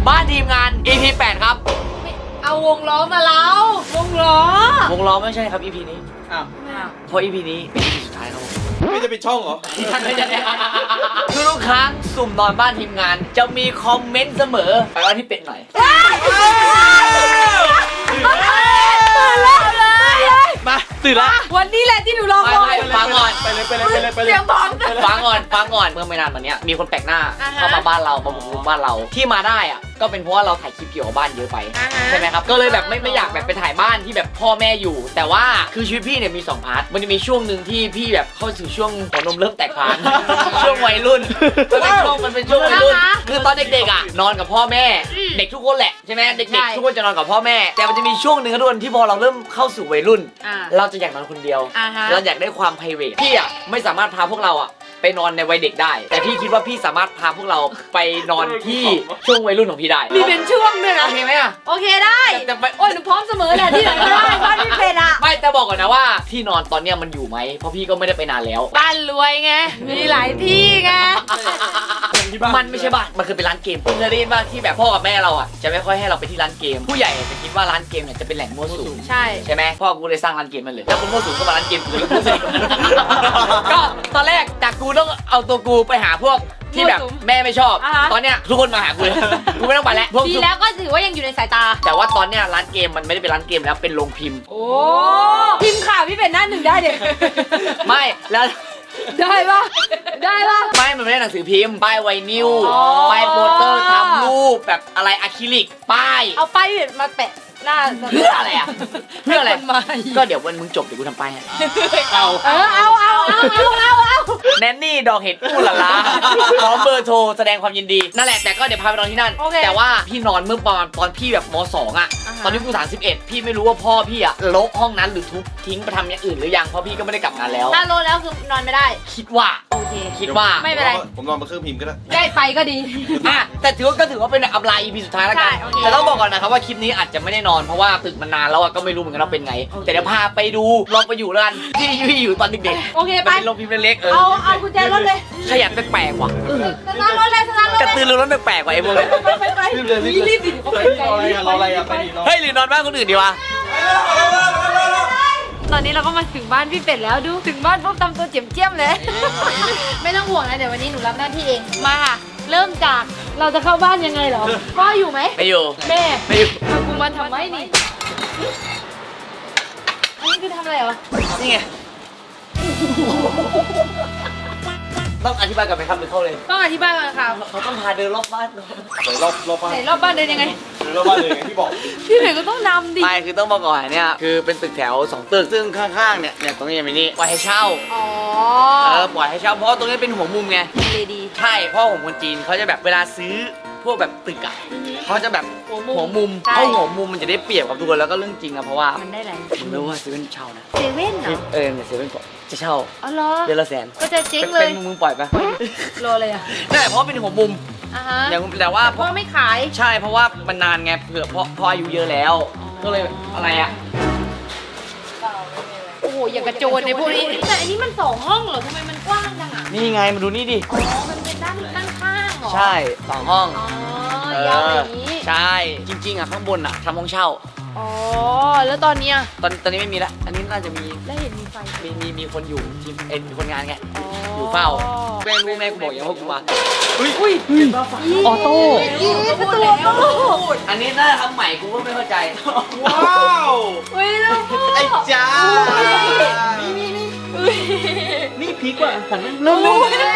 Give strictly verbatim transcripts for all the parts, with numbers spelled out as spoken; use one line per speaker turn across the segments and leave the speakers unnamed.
บ้านทีมงาน อี พี แปดครับ
เอาวงล้อมาแล้ววงล้อ
วงล้อไม่ใช่ครับ อี พี นี้
อ้าว
เพราะ อี พี นี้เป็น อี พี สุดท้ายครับผม
ไม่จะปิดช่องเหรอ
คือทุกครั้งสุ่มนอนบ้านทีมงานจะมีคอมเมนต์เสมอไปว่าที่เป็ดหน่อยมาตื่นละ
วันนี้แหละที่หนูรอคอย
ฟังก่อน
ไปเลยไปเลยไปเลยไปเลย
เสียงบอล
ฟังก่อนฟังก่อนเมื่อไม่นานมาเนี้ยมีคนแปลกหน้าเข้ามาบ้านเรามาบุกรุกบ้านเราที่มาได้อ่ะก็เป็นเพราะว่าเราถ่ายคลิปเกี่ยวกับบ้านเยอะไปใช่ไหมครับก็เลยแบบไม่ไม่อยากแบบไปถ่ายบ้านที่แบบพ่อแม่อยู่แต่ว่าคือชีวิตพี่เนี่ยมีสองพาร์ทมันจะมีช่วงหนึ่งที่พี่แบบเข้าสู่ช่วงหัวนมเริ่มแตกพานช่วงวัยรุ่นมันเป็นช่วงมันเป็นช่วงวัยรุ่นคือตอนเด็กๆอ่ะนอนกับพ่อแม่เด็กทุกคนแหละใช่ไหมเด็กๆทุกคนจะนอนกับพ่อแม่แต่มันจะมีช่วงหนึ่งครับทุกคนที่พอเราเริ่มเข้าสู่วัยรุ่นเราจะอยากนอนคนเดียวเราอยากได้ความไพรเวทพี่อ่ะไม่สามารถพาพวกเราอ่ะไปนอนในวัยเด็กได้แต่พี่คิดว่าพี่สามารถพาพวกเราไปนอนที่ช่วงวัยรุ่นของพี่ได้
มีเป็นช่วงด้วยนะ
โอเคไหมอ่ะ
โอเคได้แต่โอ้ยหนูพร้อมเสมอแหละที่ไหนก็ได้บ้านพี่เป็ดอ่ะ
ไม่แต่บอกก่อนนะว่าที่นอนตอนเนี้ยมันอยู่ไหมเพราะพี่ก็ไม่ได้ไปนานแล้ว
บ้านรวยไงมีหลายที่ไง
มันไม่ใช่บ้านมันคือเป็นร้านเกมเคยได้ยินว่าที่แบบพ่อกับแม่เราอ่ะจะไม่ค่อยให้เราไปที่ร้านเกมผู้ใหญ่จะคิดว่าร้านเกมเนี่ยจะเป็นแหล่งมั่วสุม
ใช่
ใช่ไหมพ่อกูเลยสร้างร้านเกมมันเลยแล้วคนมั่วสุมก็มาร้านเกมกูเลยก็ตอนแรกจากกูต้องเอาตัวกูไปหาพวกที่แบบแม่ไม่ชอบตอนเนี้ยทุกคนมาหากูเลยกูไม่ต้องไปแล้ว
ดีแล้วก็ถือว่ายังอยู่ในสายตา
แต่ว่าตอนเนี้ยร้านเกมมันไม่ได้เป็นร้านเกมแล้วเป็นโรงพิมพ์
โอ้พิมพ์ข่าวพี่เป็ดหน้าหนึ่งได้เด็ก
ไม่แล้ว
ได้ปะได้ปะ
ไม่มันไม่ได้หนังสือพิมพ์ป้ายไวนิลป้ายโปสเตอร์ทำรูปแบบอะไรอะคริลิกป้าย
เอาป้ายพี่เป็ดมาแปะหน้า
เพื่ออะไรอ่ะเพื่ออะไรก็เดี๋ยววันมึงจบเดี๋ยวกูทำป้าย
เอาเออเอาเอาเอาเอาเอาเอา
แนนนี่ดอกเห็ดอู้หล่าล่าพร้อมเบอร์โทรแสดงความยินดีนั่นแหละแต่ก็เดี๋ยวพาไปนอนที่นั่นแต่ว่าพี่นอนเมื่อประมาณตอนพี่แบบม.สอง อ่ะตอนนี้กูสามสิบเอ็ดพี่ไม่รู้ว่าพ่อพี่อ่ะลบห้องนั้นหรือทุบทิ้งไปทำอย่างอื่นหรือยังเพราะพี่ก็ไม่ได้กลับงานแล้ว
ถ้าโลแล้วคือนอนไม่ได้
คิดว่า
โอเค
คิดว่า
ไม่เป็นไร
ผมนอนบนเครื่องพิมพ์ก็ได้
ได้ไปก็ดี
อ่ะแต่ถือว่าก็ถือว่าเป็นอัปไลน์ อี พี สุดท้ายแล้วกันแต่ต้องบอกก่อนนะครับว่าคลิปนี้อาจจะไม่ได้นอนเพราะว่าตึกมันนานแล้วก็ไม่รู้เหมือนกันว่าเป็นไงแต่เดี๋ยวพาไปดูลองไปอยู่แล้วกันที่พี่อยู่ตอนเด็ก
ๆโอเคไป
เป็นโรงพิมพ์เล็กๆเออ
เอาเอากุญแจรถเลย
ขยันแปลกๆว่ะ
สตาร์ทรถเลยสตาร์ทรถ
กระตือรือร้นแปลกๆว่ะไอ้พวกนี้
ไปไปไปรีบเลยรีบดิเขาเป็นไง
รออะไรอ่ะไปดิ
เฮ้ยหรือนอนบ้านคนอื่นดีวะ
ตอนนี้เราก็มาถึงบ้านพี่เป็ดแล้วดูถึงบ้านปุ๊บทำตัวเจียมเจียมเลยไม่ต้องห่วงนะเดี๋ยววันนี้หนูรับหน้าที่เองมาค่ะเริ่มจากเราจะเข้าบ้านยังไงเหรอพ่ออยู่ไหม
ไม่อยู่
แม่
ไม่อยู่
เอากูมาทำไมนี่อันนี้คือทำอะไรเหรอ
นี่ไงต้องอธิบายกันไหมครับหรือเข้าเลย
ต้องอธิบายก่อนค่ะ
เขาต้องพาเดินรอบบ้าน
เดินรอบรอบบ้าน
ไหนรอบบ้านเดินยังไง
เดินรอบบ้านเลยไงที่บอก
พี่เป็ดก็ต้องนำดิ
ไม่คือต้องบอกก่อนเนี่ยคือเป็นตึกแถวสองตึกซึ่งข้างๆเนี่ยเนี่ยตรงนี้มีนี่ปล่อยให้เช่า
อ๋อ
เออปล่อยให้เช่าเพราะตรงนี้เป็นหัวมุมไง
เลยดี
ใช่เพราะผมคนจีนเขาจะแบบเวลาซื้อพวกแบบตึกอะเขาจะแบบหัวมุมเพราะหัวมุมมันจะได้เปรียบกับทุกคนแล้วก็เรื่องจริงอะเพราะว่า
มันได้อะไร
ผมรู้ว่าเซเว่นเช่านะ
เซเว่นเหรอ
เออเนี่ยเซเว่นจะเช่า
อ๋อเหรอ
เดือนละแสน
ก็จะเจ๊งเลย
เป็นมึงปล่อยปะ
รอเลยอะ
นั่นแหละเพราะเป็นหัวมุมอย่างแต่ว่า
พ่อไม่ขาย
ใช่เพราะว่ามันนานไงเผื่อพ่อพ่ออายุเยอะแล้วก็เลยอะไรอะ
โอ้โหอย่างกระโจนในพวกนี้แต่อันนี้มันสองห้องเหรอทำไมมันกว้างจังอะ
นี่ไงมาดูนี่ดิ
อ๋อมันเป็นด้านด้านข้างเหรอ
ใช่สองห้อง
อ๋อยาวอย่างนี้
ใช่จริงๆอะข้างบนอะทำห้องเช่า
อ๋อแล้วตอนนี้
ตอนตอนนี้ไม่มีละอันนี้น่าจะมี
แล้วเห็นมีไฟ
มีมีมีคนอยู่ทีมเอ็นมีคนงานไงอยู่เฝ้าแม่รู้แม่กูบอกอย่างว่ากูมา
อุ้ยอุ้ย
ออโต้
ประตูออโต้
อันนี้น่าทำใหม่กูก็ไม่เข้าใจ
ว้าว
อุ้ยลูก
ไอ้จ้า
นี่นี่นี่
นี่พีกว่าสัน
ลูก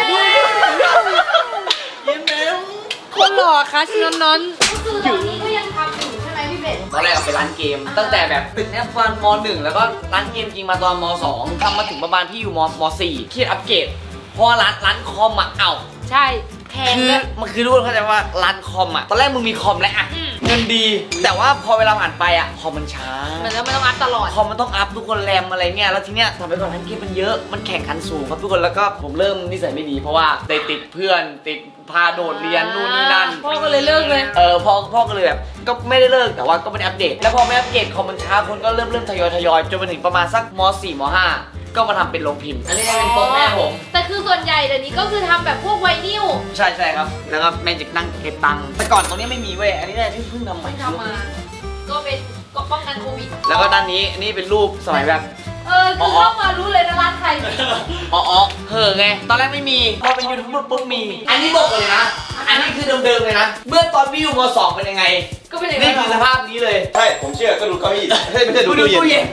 ยิ้มแย้ม
คนหล่อคะชินนนก็คือตอนนี้ก็ยังทำอยู่ใช่ไหมพี่เป็ด
ตอนแรกเป็นร้านเกมตั้งแต่แบบตึกเนี้ยตอนม.หนึ่งแล้วก็ร้านเกมจริงมาตอนม.สองทำมาถึงประมาณพี่อยู่ม.ม.สี่คิดอัปเกรดเพราะร้านร้านคอมอ่ะเอ้า
ใช่แพง
คือมันคือรู้เข้าใจว่าร้านคอมอ่ะตอนแรกมึงมีคอมแล้วอ่ะเงินดีแต่ว่าพอเวลาผ่านไปอ่ะคอมมันช้า
มันแล้วมันต้องอัพตลอด
คอมมันต้องอัพทุกคนแรมอะไรเงี้ยแล้วทีเนี้ยทำไปก่อนร้านเกมมันเยอะมันแข่งขันสูงครับทุกคนแล้วก็ผมเริ่มนิสัยไม่ดีเพราะว่าได้ติดเพื่อนติดพาโดดเรียนนู่นนี่นั่น
พ่อก็เลยเลิกเลย
เออพ่อพ่อก็เลยแบบก็ไม่ได้เลิกแต่ว่าก็ไม่ได้อัปเดตแล้วพอไม่อัปเดตคอมมันช้าคนก็เริ่มเริ่มทยอยทยอยจนมาถึงประมาณสักม.สี่ ม.ห้าก็มาทำเป็นโรงพิมพ์อันนี้เป็นโต๊ะแม่ผม
แต่คือส่วนใหญ่เดี๋ยวนี้ก็คือทำแบบพวกไวนิล
ใช่ใช่ครับแล้วก็แม่จิกนั่งเก็บตังค์แต่ก่อนตรงนี้ไม่มีเว้ยอันนี้เนี่ยที่เพิ่งทำใหม่
ทำมา ก็เป็นก็ป้องกันโควิด
แล้วก็ด้านนี้นี่เป็นรูปสมัยแบบ
เออคือเข้ามารู้เลยนะร้านใคร
อ๋ออ๋อเห่อไงตอนแรกไม่มีพอเป็นยูทูบเบอร์ปุ๊บมี อันนี้บอกเลยนะอันนี้คือเดิมๆเลยนะเมื่อตอนพี่อยู่มสองเป็นยังไง
ก็เป็นอย่าง
นี่
นี้
คือสภาพนี้เลย
ใช่ผมเชื่อก็ดูเก้าอี้เฮ้ยไม่ใช่ดู
ดู
ตู้
ตู้
เย็
เย็
น
น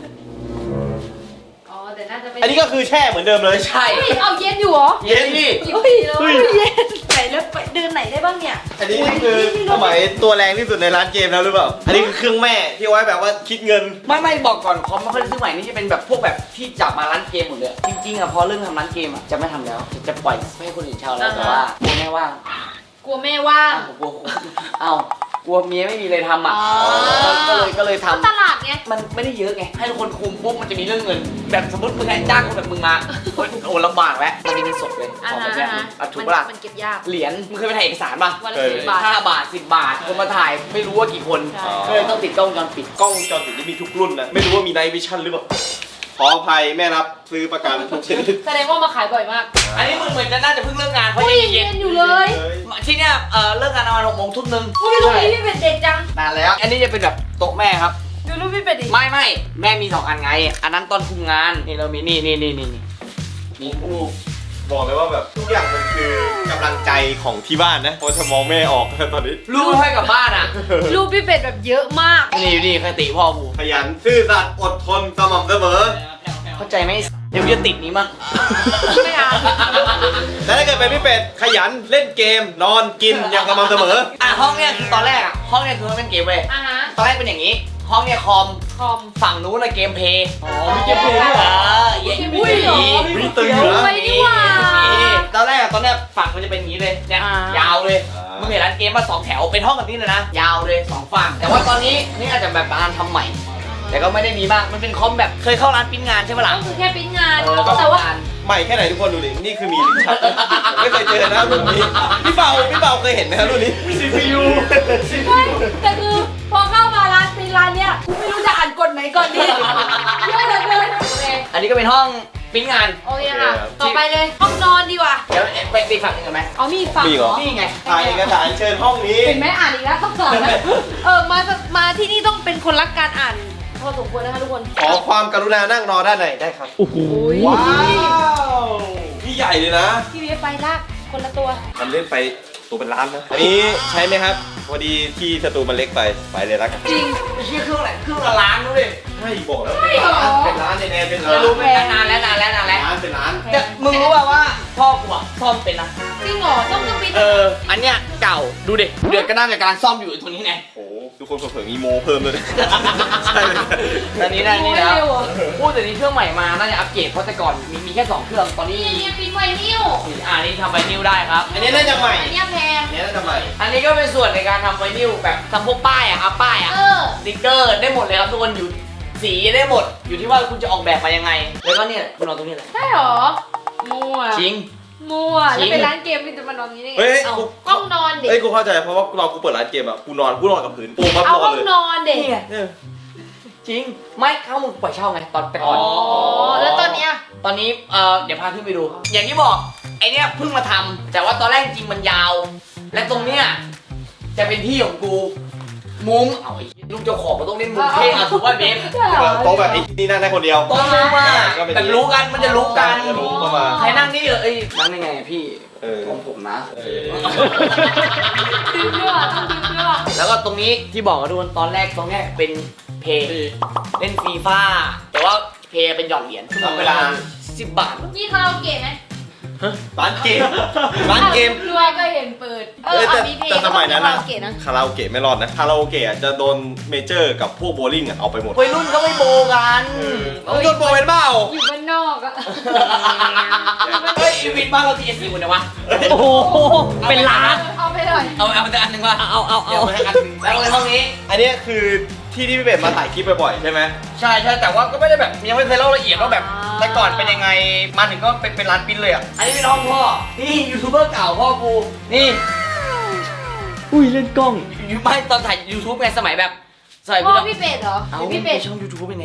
อ๋อแต่น่าจะเป็น
อันนี้ก็คือแช่เหมือนเดิมเลย
ใช่
เฮ้ยเอาเย็นอยู่เหรอ
เย็นนี่
เฮ้ยเฮ้ยเย็นไหนแล้วไปเดินไหนได้บ้างเนี่ย
อันนี้คือสมัยตัวแรงที่สุดในร้านเกมแล้วหรือเปล่าอันนี้คือเครื่องแม่ที่ไว้แบบว่าคิดเงิน
ไม่ไม่บอกก่อนคอมไม่ค่อยได้ซื้อใหม่นี่จะเป็นแบบพวกแบบที่จับมาร้านเกมหมดเลยจริงๆอ่ะพอเรื่องทำร้านเกมอ่ะจะไม่ทำแล้วจะปล่อยให้คนอื่นเช่าแล้วแต่ว่าแม่ว่าง
กลัวแม่ว่าง
อ้าวกลัวอ้าวกลัวเมียไม่มีเลยทำอ่ะ
อ๋อ
ก็เลยก็เลย
เข้า
ทำ
ตลาดไง
มันไม่ได้เยอะไง ให้ทุกคนคุมปุ๊บมันจะมีเรื่องเงิน แบบสมมติมึงไงจ้างคนแบบมึงมาโอ้ยโอ้ลำบากแล้วมันมีเงินสดเลยของแบบเนี้ยอ่ะถูกปะล่ะ
มันเก็บยาก
เหรียญมึงเคยไปถ่ายเอกสารป่ะ
วันละ
เออ
สิบบาท
ห้าบาทสิบบาทคนมาถ่ายไม่รู้ว่ากี่คน
ใช่
ก็เลยต้องติดกล้องวงจรปิด
กล้องวงจรปิดนี่มีทุกรุ่นนะไม่รู้ว่ามีไนท์วิชั่นหรือเปล่าขออภัยแม่รับซื้อประกันทุกชนิด
แสดงว่ามาขายบ่อยมาก
อันนี้มึงเหมือนจะน่าจะเพิ่งเลิกงานเพราะ
อุ้ย
ยัง
เย็
เย็
น
น
อยู่เลย
ๆที่เนี้ยเออเลิกงานประมาณหกโมงทุ่มนึง
อุ้ยลูกนี้พี่เป็นเด็กจัง
นานแล้ว อันนี้จะเป็นแบบโต๊ะแม่ครับ
ดูรูปพี่เป็นดิ
ไม่ไม่แม่มีสองอันไง อันนั้นตอนคุมงานนี่เรามีนี่นี่นี่นี่นี่นี่อู้
บอกเลยว่าแบบทุกอย่างมันคือกำลังใจของที่บ้านนะเพราะจะมองแม่ออกตอนนี้
ลูกให้กลับบ้านอ่ะ
รูปพี่เป็ดแบบเยอะมาก
นี่นี่คติพ่อกู
ขยันซื่อสัตย์อดทนสม่ำเสมอ
เข้าใจไหมเดี๋ยวกูจะติดนี้มั้ง
ไม่อ่าน
และถ้าเกิดเป็นพี่เป็ดขยันเล่นเกมนอนกินอย่างสม่ำเสมอ
อ่ะห้องเนี้ยคือตอนแรกอ่ะห้องเนี้ยคือมันเป็นเกมเว้ย
อ่ะฮะ
ตอนแรกเป็นอย่างนี้ ห้องเนี้ยคอม
คอม
ฝั่งนู้นน่ะเกมเพลย์
อ๋อมีเกมเพลย์ด้วยเหรอ
เออเย้
อุ้ยเหรอ
มีตึงเหรอ
ไว้นี่หว่า
ตอนแรกอะตอนเนี้ยฝั่งมันจะเป็นอย่างนี้เลยเนี่ย
อ่าย
ยาวเลย
อ่ามึ
มึงเห็นร้านเกมมาสองแถวเป็นห้องแบบนี้เลยนะยาวเลยสองฝั่งแต่ว่าตอนนี้นี่อาจจะแบบการทำใหม่ แต่ก็ไม่ได้มีมากมันเป็นคอมแบบเคยเข้าร้านปริ้นงานใช่ไหมล่ะ
ก็คือแค่ปริ้นงาน
เออก็
แต่ว่า
งาน
ใหม่แค่ไหนทุกคนดูดิ นี่คือมีลิ้นชักนะผมไม่เคยเจอนะรุ่นนี้ พี่เบาพี่เบาเคยเห็นไหมครับรุ่นนี้ ซี พี ยู
ไม่แต่คือพอเข้ามาร้านปริ้นร้านเนี้ยกูไม่รู้จะอ่านกฎไหนก่อนดีเยอะเหลือเกินโอเค
อันนี้ก็เป็นห้องปริ้นงาน
โอเคค่ะ ต่อไปเลยห้องนอนดีกว่า
เดี๋ยวไปไปฝั่งหนึงกันไหม
เอามีอีกฝั่ง
มีเหรอ
นี่ไง
ถ่ายเอกสารเชิญห้องนี้
เห็นไหมอ่านอีกแล้วต้องสอนนะเออมามาที่นี่ต้องเป็นคนรักการอ่านพอสมควรนะคะทุกคน
ขอความกรุณานั่งรอด้านในได้ครับ
โอ้ย
ว้าวพี่ใหญ่เลยนะ
พี่เวฟไปลากคนละตัว
มันเล่นไปตัวเป็นล้านนะ อันนี้ใช้ไหมครับ พอดีที่สตูมันเล็กไป ไปเลยละกัน
จริง
ไม่ใช่เครื่องอะไรเครื่องละล้านด้วย
ใช่บอกแล้ว
ใช่เหรอ
เป็นล้านแน่ๆเป็น
จะ
ล้าน
รู้ไหมนานแล้วนานแล้วนานแล้ว
ล้านเป็นล้าน
แต่มึงรู้ป่าวว่าพ่อกูอะซ่อมเป็นนะ
จริงเหรอต้องต้องปีน
เอออันเนี้ยเก่าดูดิเดือดก็น่าจะการซ่อมอยู่ตรงนี้ไง
โอ้โหทุกคนเผื่อๆมีโมเพิ่มเลยใช่เลย
อันนี้นะนี่นะ
เร็วเหรอ
พูดแต่นี้เครื่องใหม่มาน่าจะอัปเกรดเพราะแต่ก่อนมีมีแค่สองเครื่องตอนนี้
นี่เนี่ยปิ้นไวนิล
อ่านี่ทำไวนิลได้ครับ
อันนี้น่าจะใหม่
อันเนี้ยแพง
อันนี้น่าจะใหม่
อันนี้ก็เป็นส่วนในการทำไวนิลแบบทำพวกป้ายอะครับป้ายอะ
เออ
สติ๊กเกอร์ได้หมดเลยครับทุกคนอยู่สีได้หมด อยู่ที่ว่าคุณจะออกแบบมายังไง แล้วก็เนี่ยคุณนอนตรงนี้แหละ
ใช่เหรอ มั่ว
จริง
มั่ว
จริ
แล้ว
ง
เป็นร้านเกมมันจะมานอนนี้ได้ไง
เฮ้ย
เอา
กู
ห้องนอนเด็ก
เฮ้ยกูเข้าใจเพราะว่าเรากูเปิดร้านเกมอะกูนอนกูนอนกับพื้นปูมับ
เอา
นอ
ห้
น
อง
เลย
นอนเด็ก
นี่ไง
เออ
จริงไม่เข้ามึงปล่อยเช่าไงตอนแต่ก่อน
อ๋อ แล้วตอนเนี้ย
ตอนนี้เอ่อเดี๋ยวพาขึ้นไปดู อย่างที่บอกไอเนี้ยเพิ่งมาทำแต่ว่าตอนแรกจริงมันยาว และตรงเนี้ยจะเป็นที่ของกู มุ้งเอาไอ้ลูกเจ้าของมันต้องเล่นมุ้งเท่อะถูกป่ะเบฟ
โต๊ะแบบไอ้นี่นั่งได้คนเดียว
โต๊ะมุ้งมาก
ก็เป็น
แบบรู้กันมันจะรู้กัน
จะรู้เข้ามา
ใครนั่งนี่เหรอเอ้ยนั่งได้ไงอะพี่
เออ
ของผมนะ
เออ
ดึงด้วยต้องดึงด้วย
แล้วก็ตรงนี้ที่บอกกับทุกคนตอนแรกตรงเนี้ยเป็นเพย์เล่นฟีฟ่าแต่ว่าเพย์เป็นหย่อนเหรียญ
ทำเวลา
สิบบาท
นี่คาราโอเกะไหม
ร้านเกม ร้านเกม
รวยก็เห็นเปิด เออ
เอ้ยแต่
เอามีเพลง
แต่สมัยนั้น
คารา
นะ
โอเกะนะ
คาราโอเกะไม่รอดนะ คาราโอเกะอะจะโดนเมเจอร์กับพวกโบลิ่งอะเอาไปหมด
วัยรุ่นก็ไม่โบกัน
เอาโดนโบเป็นเปล่า
อยู่บ้านนอกอะ
เฮ้ยอีวินบ้านเราทีเอสซีคนเดียววะโอ้โหเป็นล้าน
เอาไปเลย
เอาเอาแต่อันหนึ่งวะเอาเอาเอาอันหนึ่งแล้วในห้องนี้
อันนี้คือที่ที่พี่เป็ดมาถ่ายคลิปบ่อยๆใช่ไหม
ใช่ใช่แต่ว่าก็ไม่ได้แบบยังไม่เคยเล่าละเอียดว่าแบบแต่ก่อนเป็นยังไงมาถึงก็เป็นเป็นร้านปิ้นเลยอ่ะอันนี้เป็นห้องพ่อนี่ยูทูบเบอร์เก่าพ่อกูนี่อุ้ยเล่นกล้องอยู่ไม่ตอนถ่ายยูทูบไงสมัยแบบสมัย
พ่
กู
อ
จะ
พี่เป็ดเหรอห
เอา
รือ
พี่
พี่
เป็
เป็
ด
ด
ช่องยูทูบเป็นแนน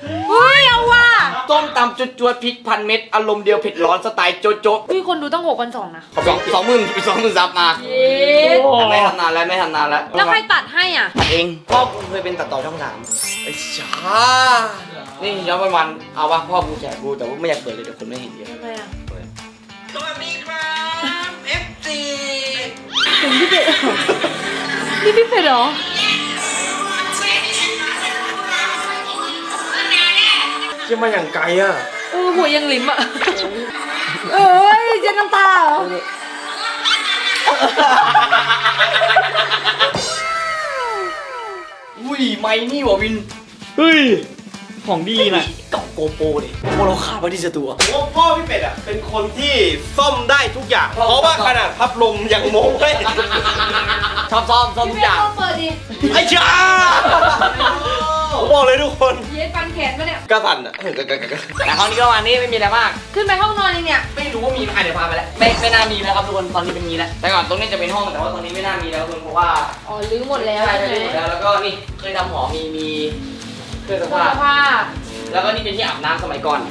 เฮ้ยเอาว่ะ
ต้มตำจุดจวดพริกพันเม็ดอารมณ์เดียวเผ็ดร้อนสไตล์โจ๊ะโจ๊ะ
พี่คนดูต้องหกพันสองนะ
สองสองหมื่นสองหมื่นซับมา
เย็ด
แต่ไม่ทำนานแล้วไม่ทำนานแล้ว
แล้วใครตัดให้อ่ะ
ตัดเองพ่อกูเคยเป็นตัดต่อช่องสามไอ้ช้านี่ย้อนวันวันๆเอาวะพ่อกูแฉกูแต่ว่าไม่อยากเปิดเลยเดี๋ยวคนไม่เห็นเยอะ
ทำไมอ่ะ
สวัสดีครับเอฟซี
ถึงพี่เป็ดนี่พี่เป็ดเหรอ
จะมาอย่างไกลอ่ะ
เออหัวยังลิ้มอ่ะเอ้ยเจะน้ำตาเหรอ
อุ้ยไม่นี่หว่าวิน
เฮ้ย ของดีนะ
กล่องโกโปรดิโปรเราขาดไว้ที่สตูอะ
ผมว่าพ่อพี่เป็ดอ่ะเป็นคนที่ซ่อมได้ทุกอย่าง เพราะว่าขนาดพัดลมยังโม้เลย
ชอบซ่อมซ่อมทุ
พี่
ก
เป็
อ
ด
ย่าง
ต้องเปิดดิ
ไอ้ช้าผมบอกเลยทุกคน
เย็ดฟันแขนปะเนี่ย
กระสันอ่ะ
แต่คราวนี้ก็วันนี้ไม่มีอะไรมาก
ขึ้นไปห้องนอนยังเนี่ย
ไม่รู้ว่ามีอ่ะเดี๋ยวพาไปแล้วไม่ไม่น่ามีแล้วครับทุกคนตอนนี้เป็นงี้แล้วแต่ก่อนตรงนี้จะเป็นห้องแต่ว่าตอนนี้ไม่น่ามีแล้วทุกคนเพราะว่า
อ๋อลื้อหมดแล้ว
ใช่
ใช่
ใช่
ไหม
หมดแล้วแล้วก็นี่เคยทำหอมีมีเครื่องซัก
เสื้
ผ้า
อผ้า
แล้วก็นี่เป็นที่อาบน้ำสมัยก่อน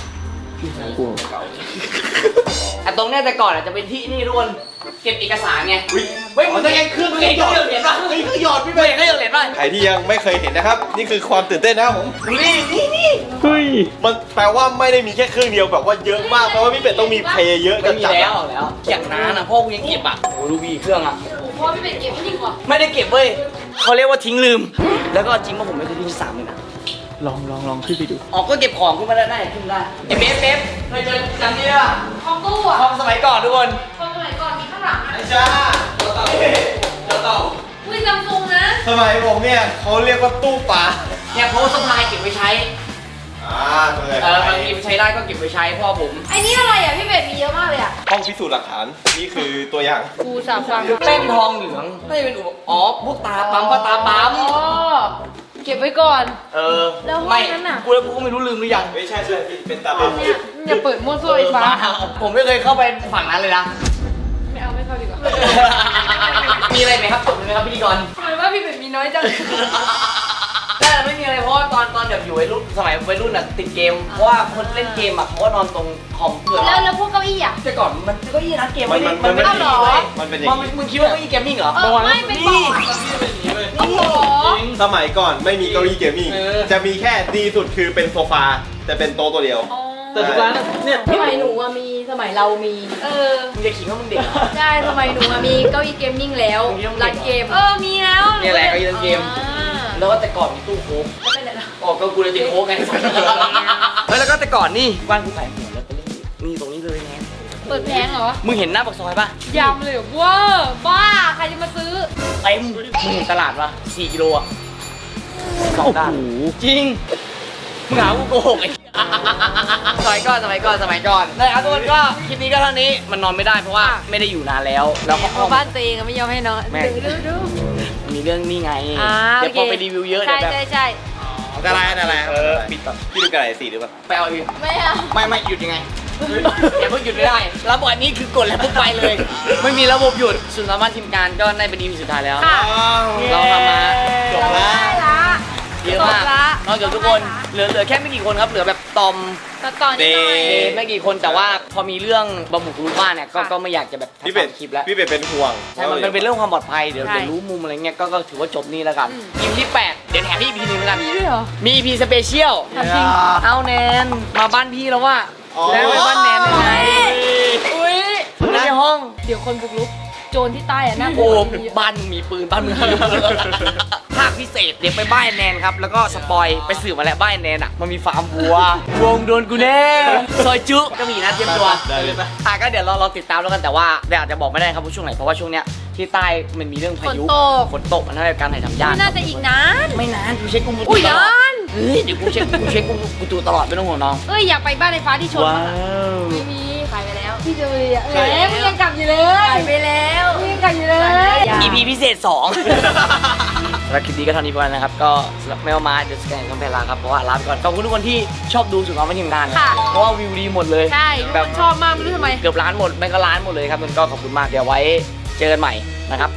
อ่ะตรงเนี้ยแต่ก่อนอ่ะจะเป็นที่นี่ทุกคนเก็บเอกสารไง
อุ๊ย
เฮ้ยมึงเคยเห็นเครื่องมึงเห็นเครื่องเห็นป่ะ
เฮ้ยคือหยอดพี่
เคย
เป็ด
เห็นเครื่องเห็นป่ะ
ใครที่ยังไม่เคยเห็นนะครับ นี่คือความตื่นเต้นนะครับผม
นี่นี่นี่
เฮ้ย
มันแปลว่าไม่ได้มีแค่เครื่องเดียวแบบว่าเยอะมากแปลว่าพี่เป็ดต้องมีเพลย์เยอะ
ไม่
กัน
มี
จัด
แล้วแล้วอย่างนั้นอ่ะพ่อกูยังเก็บอ่ะโอ้ดูบีเครื่องอ่ะ
โอ้พ่อพี่เป็ดเก็บไม่ดีกว่า
ไม่ได้เก็บเว้ยเขาเรียกว่าทิ้งลืม แล้วก็จริงว่าผมไม่เคยทิ้งสามเลยนะ
ลองลองลองขึ้นไปดู
อ๋อก็เก็บของขึ้นมาได้ได้ขึ้นได้ไอ้เบฟเบฟเคยเจอจำนี่ป่ะ
ห้องตู้อ่ะ
ห้องสมัยก่อนทุกคน
ห้องสมัยก่อนมีข้างหลังอ่ะ
ไอ้ช้าเจ้าเต่าเจ้าเต่า
อุ้ยซัมซุงนะ
สมัยผมเนี่ยเขาเรียกว่าตู้ปลา
เนี่ยเพราะว่าสะพายเก็บไว้ใช้
อ่าตัวไหน
เออบางทีมันใช้ได้ก็เก็บไว้ใช้พ่อผม
ไอ้นี่อะไรอ่ะพี่เป็ดมีเยอะมากเลยอ่ะ
ห้องพิสูจน์หลักฐาน นี่คือตัวอย่าง
กูสาฟัง
เส้นทองเหลืองไม่เป็นอุปอ๋อพวกตาปั๊มปะตาปั๊ม
อ๋อเก็บไว้ก่อน
เออ
แล้วห้อง
ไม่
นั้นน่ะ
กูแล้วกูก็ไม่รู้ลืมหรือยัง
ไม่ใช่ใช่พี่เป็นตาปั๊ม
เนี่ยอย่าเปิดมั่วซั่วไอ้ฟ้า
ผมไม่เคยเข้าไปฝั่งนั้นเลยนะ
ไม่เอาไม่เข้าดีกว่า
มีอะไรไหมครับจบเลยไหมครับพิธีกร
ทำไมว่าพี่เป็ดมีน้อยจัง
แต่ไม่มีอะไรเพราะว่าตอนตอนแบบอยู่วัยรุ่นสมัยวัยรุ่นอ่ะติดเกมเพราะว่าคนเล่นเกมอ่ะเขาก็นอนตรงคอมเพื่อน
แล้วแล้วพวกเก้าอี้อ่ะ
แต่ก่อนมันก็ยี่ร้านเกม
มัน
ไม่ได้
มัน
มันไม่ได้
เอาเหรอ
เว้ย
มันเป็นอย่าง
มัน
นี้
มึงคิดว่าเก้าอี้เกมมิ่งเหรอ
เออไม่เป็นบอร์ดโอ้โห
สมัยก่อนไม่มีเก้าอี้เกมมิ่ง
เออ
จะมีแค่ดีสุดคือเป็นโซฟาแต่เป็นโต๊ะตัวเดียว
แต่ทุกร้านอะเนี่ย
สมัยหนูอะมีสมัยเรามี
เออ
มึงจะขิงว่ามึงเด็กเหรอ
ใช่สมัยหนูอะมีเก้าอี้เกมมิ่งแล้ว
มึงยังเด็ก
ร้านเกม
เออมีแล้ว
เนี่ยแหละเก้าอี้เล่นเกม แล้วก็แต่ก่อนมีตู้โค้ก
แล้วไปไหนล่ะ
ออกก็กูเลยติดโค้กไงเฮ้ยแล้วก็แต่ก่อนนี่บ้านกูขายหัวแล้วก็เล่นนี่ตรงนี้เลยไง
เปิดแพงเหรอ
มึงเห็นหน้าปากซอยปะ
ยำเลยเว้าบ้าใครจะมาซื้อ
เต็มมึงเห็นตลาดปะสี่กิโลอะสอง
โอ้
ด้าน
โห
จริง มึงหากูโกหกไอ้ สมัยก่อนสมัยก่อนสมัยก่อนได้ครับทุกคนก็คลิปนี้ก็เท่านี้มันนอนไม่ได้เพราะว่าไม่ได้อยู่นานแล้ว แล้วก็
เพราะบ้านตัวเองอะไม่ยอมให้นอน
แม่ง
ดูดูดู
มีเรื่องนี่ไง
อ่า
เดี๋ยวพอไปรีวิวเยอะเดี๋
ใช่
ยวแบบ
ใช่ใช่
อะไรอะไร
เออปิดก่อน
พี่ดูกระไรสีหรือเปล่า
ไปเอาอีก
ไม่เอา
ไม่ไม่หยุดยังไงอย่าเพิ่งหยุดไม่ได้ระบบอันนี้คือกดแล้วปุ๊บไปเลย ไม่มีระบบหยุดส่วนสามารถทีมงานก็ได้เป็น อี พีสุดท้ายแล้ว
ค่ะ
เราทำมา
จบแล้ว
ได้ละ
เยอะมาก
จบละ
นอกจากทุกคนเหลือเหลือแค่ไม่กี่คนครับเหลือแบบตอม
ตัดต่อนิดหน่อย
เบ
ไม่กี่คนแต่ว่าพอมีเรื่องบะหมูกรุบ้านเนี่ยก็
ค่ะ
ก็ไม่อยากจะแบบ
พี่เป็ด
ทำคลิปแล้ว
พี่เป็ดเป็นห่วง
ใช่มันมันเป็นเรื่องความปลอดภัยเดี๋ยว
ใช่
เดี๋ยวรู้มุมอะไรเงี้ยก็ก็ถือว่าจบนี่แล้วกัน
อืม
อีพีที่แปดเดี๋ยวแถมพี่อีพีหนึงแล้วกัน
มีด้วยเหรอ
มีอีพีสเปเชียล
ถามจริง
เอาแนนมาบ้านพี่แล้วว่า
อ๋อ
แล้วไปบ้านแนนได้ไง
อุ้ย
ในห้อง
เดี๋ยวคนบุกรุกโจรที่ใต้อะน่ากลั
โอ้
ว
บ้านมึงมีปืนบ้านมึงมีปืนภาคพิเศษเดี๋ยวไปบ้านแนนครับแล้วก็สปอยไปสืบมาแล้วบ้านแนนอ่ะมันมีฟาร์มวัววงโดนกูแน่ซอยจุก็มีนะเตรียมตัว
ได้เลย
อ่ะก็เดี๋ยวเราเราติดตามแล้วกันแต่ว่าเดี๋ยวอาจจะบอกไม่ได้ครับว่าช่วงไหนเพราะว่าช่วงเนี้ยที่ใต้มันมีเรื่องพายุ
ฝนตก
ฝนตกมันทำให้การถ่ายทำยาก
ไม่น่าจะอีกนาน
ไม่นานกูเช็คกู
อุ้ย
ตล
น
อด
าน
เฮ้ยเดี๋ยวกูเช็คกูเช็คกูกูดูตลอดไม่ต้องห่วงน้อง
เอ้ยอยากไปบ้านไอ้ฟ้าที่ชน
ว้า
บ้างอะ
ว
ไม่มีขายไปแล้วพี่จะไปอ่ะเอ๊ะมึงยังกลับอยู่เลย
ไปแล้ว
มึงยังกลับอยู่เลย
อี พีพิเศษสองสำหรับคลิปนี้ก็เท่านี้พอแล้วนะครับก็สำหรับแมวมาเดี๋ยวสแกนต้องไปลาครับเพราะว่าลาไปก่อนขอบคุณทุกคนที่ชอบดูสุดน้องไม่ทีมงานนะ
ค่ะ
เพราะว่าวิวดีหมดเลย
ใช่ทุก
แบ
ค
บ
นชอบมากไม่รู้ทำไม
เกือบล้านหมดไม่ก็ล้านหมดเลยครับมันก็ขอบคุณมากเดี๋ยวไว้เจอกันใหม่นะครับกับ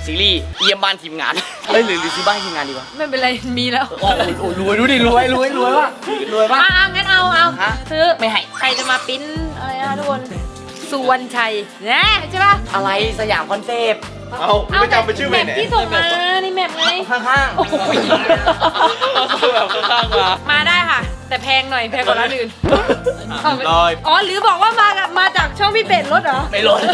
ซีรีส์เยี่ยมบ้านทีมงานเฮ้ยหรือหรือซื้อบ้านทีมงานดีวะ
ไม่เป็นไรมีแล้ว
โอ้โหโอ้โหรวยดูดิรวยรวยรวยว่ะรวยป่ะ
อ่ะงั้นเอาเอา
ฮะ
ซื้อ
ไม่ให้
ใครจะมาปริ้นอะไรนะทุกคนสุวรรณชัยแน่ใช่ปะ
อะไรสยามคอนเซปต์
เอาไม่จำเป็นชื่อ
แม
ไป
ป
ไหน
ที่ส่งมานี่แมปไง
ข้างๆโอ้โห
แบบข้างๆมา
มาได้ค่ะ แต่แพงหน่อยแพงกว่าร้านอื่น
ลอย
อ๋อหรือบอกว่ามากับมาจากช่องพี่เป็ดรถเหรอ
ไม่ลด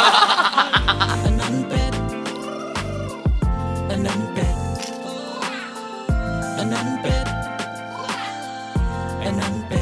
อันนั้นเป็ดอันนั้นเป็ดอันนั้นเป็ด